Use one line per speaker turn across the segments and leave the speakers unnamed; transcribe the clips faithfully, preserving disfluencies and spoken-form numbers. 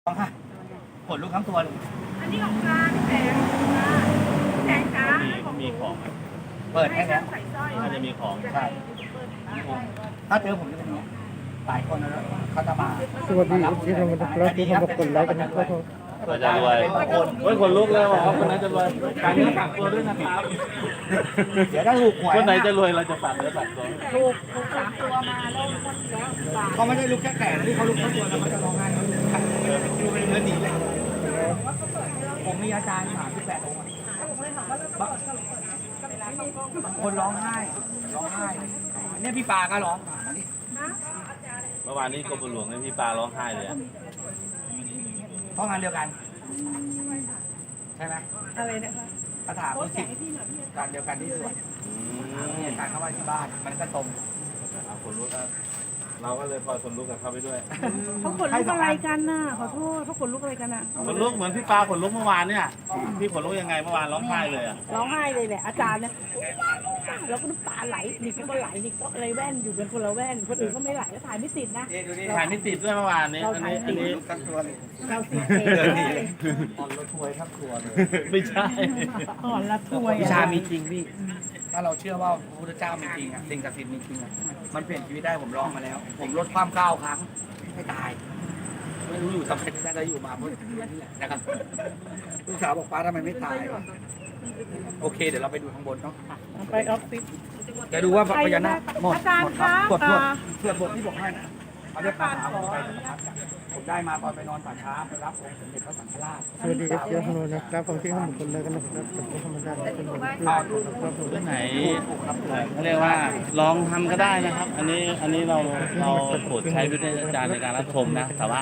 ต้องค่ะขนลุกทั้งตัวเลย
อันนี้ของกลางแสงแสงจ้า
มีมีของไหม
เปิดแค่นี้
ใส่สร้อย
น่าจะมีของ
ใช่ถ้าเจอผมจะเป็นอย่างนี้หลายคนนะเขาจะมา
สวัสดีที่เรามาดูครับที่เรากดไลค์กันนะครับ
เราจะรวย
บางคน
เฮ้ยคนลุกแล้วครับคนไหนจะรวยฝากเนื้อฝากตัวด้วยนะครับ
เดี๋ยวถ้าถูกหวย
คนไหนจะรวยเราจะฝากเนื้อฝากตัว
ถูกถูกสามตัวมาแล้วหมดแล้วบาท
เขาไม่ได้ลุกแค่แก่ที่เขาลุกทั้งตัวแล้วเขาจะร้องไห้เขาลุกทั้งตัวดูเป็นเนื้อดีเลยผมมีอาจารย์สามสิบแปดองค์บางบางคนร้องไห้ร้องไห้เนี่ยพี่ปาก็ร้อง
เมื่อวานนี้กรมหลวงเนี่ยพี่ปลาร้องไห้เลยอะ
เพราะงานเดียวกัน ใช่ไหม
อะไรนะคะ
คาถาพุทธิการเดียวกันที่สวด
อืม
มีอาการเข้ามาที่บ้านมันก็ตรง
เอาคนลุกอะเราก็เลยพอคนลุกกับเขาไปด้วย
เขาขนลุกอะไรกันน่ะขอโทษเขาขนลุกอะไรกันน่ะ
คนลุกเหมือนพี่ปลาขนลุกเมื่อวานเนี่ยพี่ขนลุกยังไงเมื่อวานร้องไห้เลยอะ
ร้องไห้เลยแหละอาจารย์เนี่ยแล้วก็น้ำตาไหลนี่ก็ไหลนี่ก็อะไรแว่นอยู่เป็นคนละแว่นคนอื่นก็ไม่ไหลแล้วถ่ายไม่ติดนะ
นี่ดูนี่
ถ่ายไม่ติดด้วยเมื่อวานนี้อันนี้อันนี้
ลุกทั้งตัวเลย
เราติด
เดิน
เอ
ดี
ง
เลยอ่อนรถถวยทั้งตัวเลย
ไม่ใช่
อ่อนละถ้วย
วิชามีจริงพี่ ถ้าเราเชื่อว่าพระพุทธเจ้ามีจริงอ่ะสิ่งศักดิ์สิทธิ์มีจริงอ่ะมันเปลี่ยนชีวิตได้ผมลองมาแล้ว ผมลดความก้าวครั้งไม่ตาย ไม่รู้อยู่ทำไมได้ก็อยู่มาเพื่อนี่แหละนะครับลูกสาวบอกป้าทำไมไม่ตายวะโอเคเดี๋ยวเราไปดูข้างบนเนาะ
ไปออฟฟิศ
เดี๋ยวดูว่าพญานาคหมด
อาจารย์
หมดครับ
คะ
ตรวจตรวจ
อ่า
ตรวจบทที่บอกให้นะเขาเรียกคาถาผมไปผมได้มาตอนไปนอนป่าช้าไปรับองค์สมเด็จพระสังฆราช
สวัสดีครับเจ้าพนุนะครับฟังที่ข้ามกดไลค์กันนะครับผมก็ธรรมดาเป็นคนครับผม
เรื่องไหนเขาเรียกว่าลองทำก็ได้นะครับ อันนี้อันนี้เราเราโปรดใช้วิจารณญาณในการรับชมนะแต่ว่า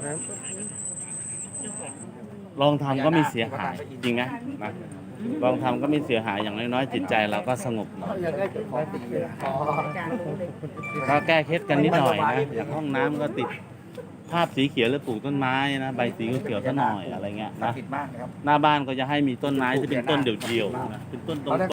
ลองทำก็ไม่เสียหายจริงไหมนะลองทำก็ไม่เสียหายอย่างน้อยๆจิตใจเราก็สงบหน่อย
อยากได้เจ้าของตีเลยอ๋อ
ก็แก้เคล็ดกันนิดหน่อยนะอย่างห้องน้ำก็ติดภาพสีเขียวหรือปลูกต้นไม้นะใบสีเขียวๆซะหน่อยอะไรเงี้ย
ศัก
นะ
ดิ์สิทธิ์มากนะครับ
หน้าบ้านก็จะให้มีต้นไม้ที่เป็นต้นเดี่ยวๆนะเป็นต้นตรง